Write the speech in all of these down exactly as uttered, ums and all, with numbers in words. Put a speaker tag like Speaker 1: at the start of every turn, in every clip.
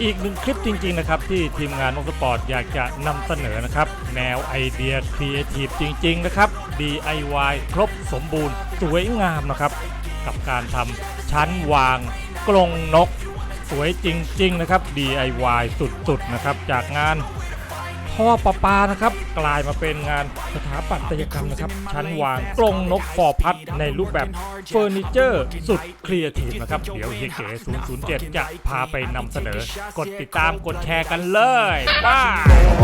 Speaker 1: อีกหนึ่งคลิปจริงๆนะครับที่ทีมงานนกสปอร์ตอยากจะนำเสนอนะครับแนวไอเดียครีเอทีฟจริงๆนะครับ ดี ไอ วาย ครบสมบูรณ์สวยงามนะครับกับการทำชั้นวางกรงนกสวยจริงๆนะครับ ดี ไอ วาย สุดๆนะครับจากงานท่อประปานะครับกลายมาเป็นงานสถาปัตยกรรมนะครับชั้นวางกรงนกฟอร์พัดในรูปแบบเฟอร์นิเจอร์สุดครีเอทีฟนะครับเดี๋ยวเฮียเก๋ศูนย์ ศูนย์ เจ็ดจะพาไปนำเสนอกดติดตามกดแชร์กันเลยว้า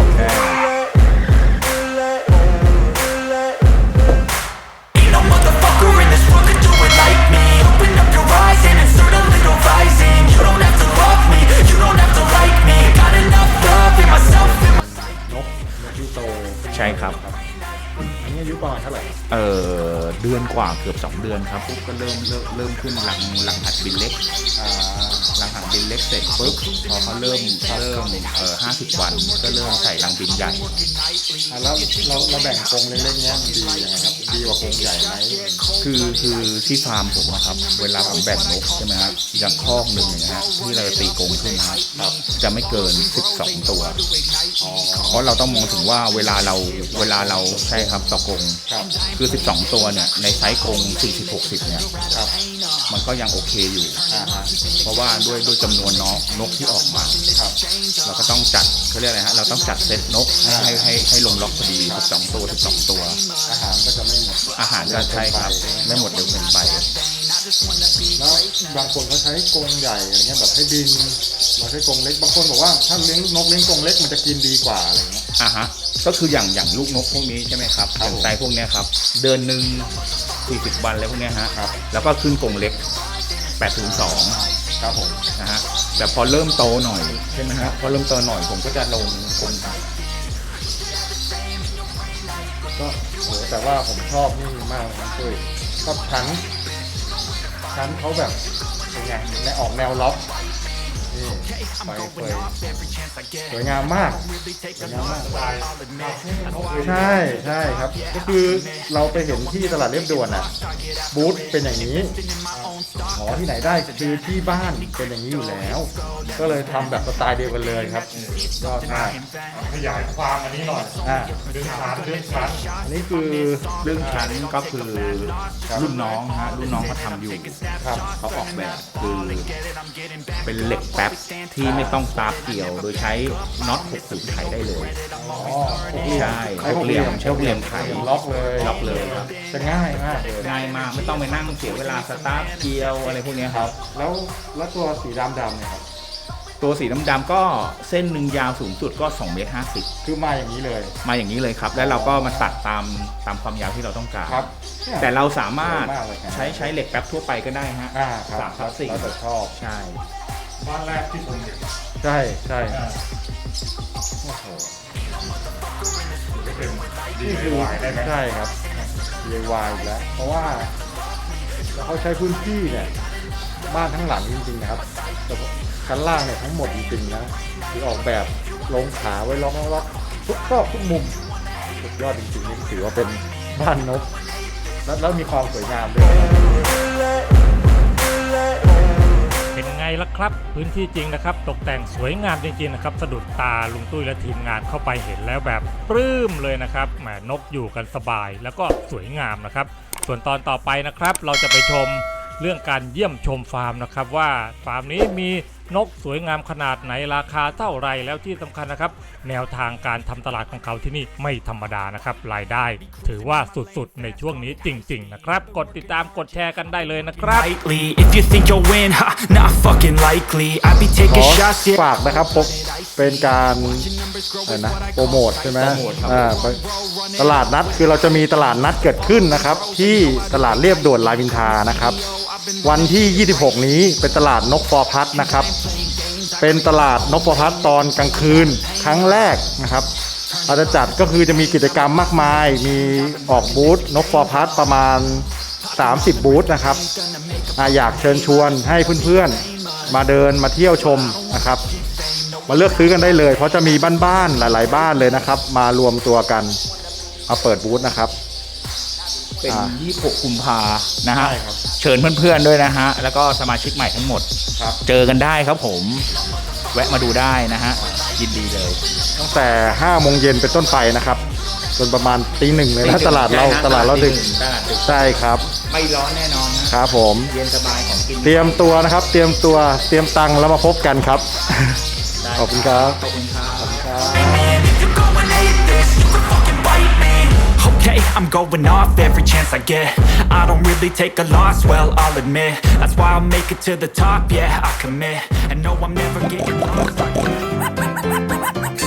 Speaker 2: ใช่ครับ
Speaker 3: อันนี้อายุประมาณเท่าไหร่
Speaker 2: เออเดือนกว่าเกือบสองเดือนครับปุ๊บก็เริ่มเริ่มเริ่มขึ้นหลังหลังหัดบินเล็กอ่าหลังหัดบินเล็กเสร็จปุ๊บพอเขาเริ่มเริ่มเออห้าสิบวันก็เริ่มใส่รังบินใหญ่
Speaker 3: อ่าแล้วเราเราแบ่งกรงเล็กๆเนี้ยมันดียังไงครับดีกว่ากรงใหญ่ไหม
Speaker 2: คือคือที่ฟาร์มผมครับเวลาผมแบ่งนกใช่ไหมครับอย่างคอกหนึ่งนะฮะที่เราจะตีกรงขึ้นนะครับจะไม่เกินสิบสองตัวเพราะเราต้องมองถึงว่าเวลาเราเวลาเราใช่ครับต่อกรงคือสิบสองตัวเนี่ยในไซส์กรงสี่สิบ หกสิบเนี่ยมันก็ยังโอเคอยู่เพราะว่าด้วยด้วยจำนวนนกนกที่ออกมาเราก็ต้องจัดเขาเรียกอะไรฮะเราต้องจัดเซตนกให้ให้ให้ลงล็อกพอดีสิบสองตัวสิบสองตัว
Speaker 3: อาหารก็จะไม่หมด
Speaker 2: อาหารก็ใช่ครับไม่หมดเร็วเกินไป
Speaker 3: แล้วบางคนเขาใช้กรงใหญ่อะไรเงี้ยแบบให้บินเราใช้กรงเล็กบางคนบอกว่าถ้าเลี้ยงนกเลี้ยงกรงเล็กมันจะกินดีกว่าอะไรเงี้ย
Speaker 2: อ่ะฮะก็คืออย่างอย่างลูกนกพวกนี้ใช่ไหมครับอย่างไซส์พวกนี้ครับเดือนหนึ่งสี่สิบวันแล้วพวกนี้ฮะแล้วก็ขึ้นกรงเล็กแปดศูนย์สอง
Speaker 3: ครับผม
Speaker 2: นะฮะแต่พอเริ่มโตหน่อยใช่ไหมฮะพอเริ่มโตหน่อยผมก็จะลงกรง
Speaker 3: ก็โหแต่ว่าผมชอบนี่มากนะคือชอบชั้นชั้นเขาแบบเป็นไงในออกแนวล็อกนี่ไฟเฟยสวยงามมากสวยงามมากใช่ใช่ครับก็คือเราไปเห็นที่ตลาดเรียบด่วนอ่ะบูธเป็นอย่างนี้หอที่ไหนได้คือที่บ้านเป็นอย่างนี้อยู่แล้วก็เลยทำแบบสไตล์เดียวกันเลยครับยอดมาก
Speaker 1: ขยายความอันนี้หน่อย
Speaker 3: อ่า
Speaker 1: เรื่องชั้นเรื่องชั้น
Speaker 3: อันนี้คือ
Speaker 2: เรื่องชั้นก็คือรุ่นน้องฮะรุ่นน้องเขาทำอยู่
Speaker 3: ครับ
Speaker 2: เขาออกแบบคือเป็นเหล็กแป๊บที่ไม่ต้องตาเกี่ยวโดยใช้น็อตหกสูบไขได้เลยใช่หกเหลี่ยมใช้หกเหลี่ยมไข
Speaker 3: ล็อกเลย
Speaker 2: ล็อกเลยครับ
Speaker 3: จะง่ายมากเลย
Speaker 2: ง่ายมากไม่ต้องไปนั่งเสียเวลาสตาร์ทเกี่ยวอะไรพวกนี้ครับ
Speaker 3: แล้วแล้วตัวสีดำดำเนี่ยครับ
Speaker 2: ตัวสีดำๆก็เส้นหนึ่งยาวสูงสุดก็สองเมตรห้าสิบ
Speaker 3: คือมาอย่างนี้เลย
Speaker 2: มาอย่างนี้เลยครับแล้วเราก็มาตัดตามตามความยาวที่เราต้องการ
Speaker 3: ครับ
Speaker 2: แต่เราสามารถใช้ใช้เหล็กแป๊บทั่วไปก็ได้ฮะ
Speaker 3: สามทับสี่เราจะชอบ
Speaker 2: ใช่
Speaker 1: บ้านแรกที่ผมเห็น
Speaker 3: ใช่ใช่โอ้โห
Speaker 1: นี่คือ
Speaker 3: ใช่ครับ ดี ไอ วาย อีกแล้วเพราะว่าเขาใช้พื้นที่เนี่ยบ้านทั้งหลังจริงๆนะครับชั้นล่างเนี่ยทั้งหมดจริงๆนะคือออกแบบลงขาไว้ล็อกล็อกทุกซอกทุกมุมสุดยอดจริงๆนี่ถือว่าเป็นบ้านนกแล้วมีความสวยงามด้วย
Speaker 1: เป็นไงล่ะครับพื้นที่จริงนะครับตกแต่งสวยงามจริงๆนะครับสะดุดตาลุงตุ้ยและทีมงานเข้าไปเห็นแล้วแบบปลื้มเลยนะครับแหมนกอยู่กันสบายแล้วก็สวยงามนะครับส่วนตอนต่อไปนะครับเราจะไปชมเรื่องการเยี่ยมชมฟาร์มนะครับว่าฟาร์มนี้มีนกสวยงามขนาดไหนราคาเท่าไรแล้วที่สำคัญนะครับแนวทางการทำตลาดของเขาที่นี่ไม่ธรรมดานะครับรายได้ถือว่าสุดๆในช่วงนี้จริงๆนะครับกดติดตามกดแชร์กันได้เลยนะครับ
Speaker 3: ขอฝากนะครับผมเป็นการอะไรนะโปรโมทใช่ไหมอ่าตลาดนัดคือเราจะมีตลาดนัดเกิดขึ้นนะครับที่ตลาดเรียบด่วนรามอินทรานะครับวันที่ยี่สิบหกนี้เป็นตลาดนกฟอร์พัดนะครับเป็นตลาดนกฟอร์พัดตอนกลางคืนครั้งแรกนะครับเราจะจัดก็คือจะมีกิจกรรมมากมายมีออกบูธนกฟอร์พัดประมาณสามสิบบูธนะครับอยากเชิญชวนให้เพื่อนๆมาเดินมาเที่ยวชมนะครับมาเลือกซื้อกันได้เลยเพราะจะมีบ้านๆหลายๆบ้านเลยนะครับมารวมตัวกันมาเปิดบูธนะครับ
Speaker 2: เป็นยี่สิบหกกุมภานะฮะเชิญเพื่อนๆด้วยนะฮะแล้วก็สมาชิกใหม่ทั้งหมดเจอกันได้ครับผมแวะมาดูได้นะฮะยินดีเลย
Speaker 3: ตั้งแต่ห้าโมงเย็นเป็นต้นไปนะครับจนประมาณตีหนึ่งเลยนะตลาดเรา
Speaker 2: ใช่ฮะ
Speaker 3: ตลาดเราดึก
Speaker 2: ตลาดดึก
Speaker 3: ใช่ครับ
Speaker 2: ไม่ร้อนแน่นอนนะครับ
Speaker 3: ผม
Speaker 2: เย็นสบายของกิน
Speaker 3: เตรียมตัวนะครับ เตรียมตัวเตรียมตังค์แล้วมาพบกันครับ
Speaker 2: ได้
Speaker 3: ขอบคุณครับ
Speaker 2: ขอบคุณครับ
Speaker 4: You go and hate this, you can fucking bite me. Okay, I'm going off every chance I get. I don't really take a loss, well, I'll admit. That's why I'll make it to the top, yeah, I commit. And no, I'm never getting lost.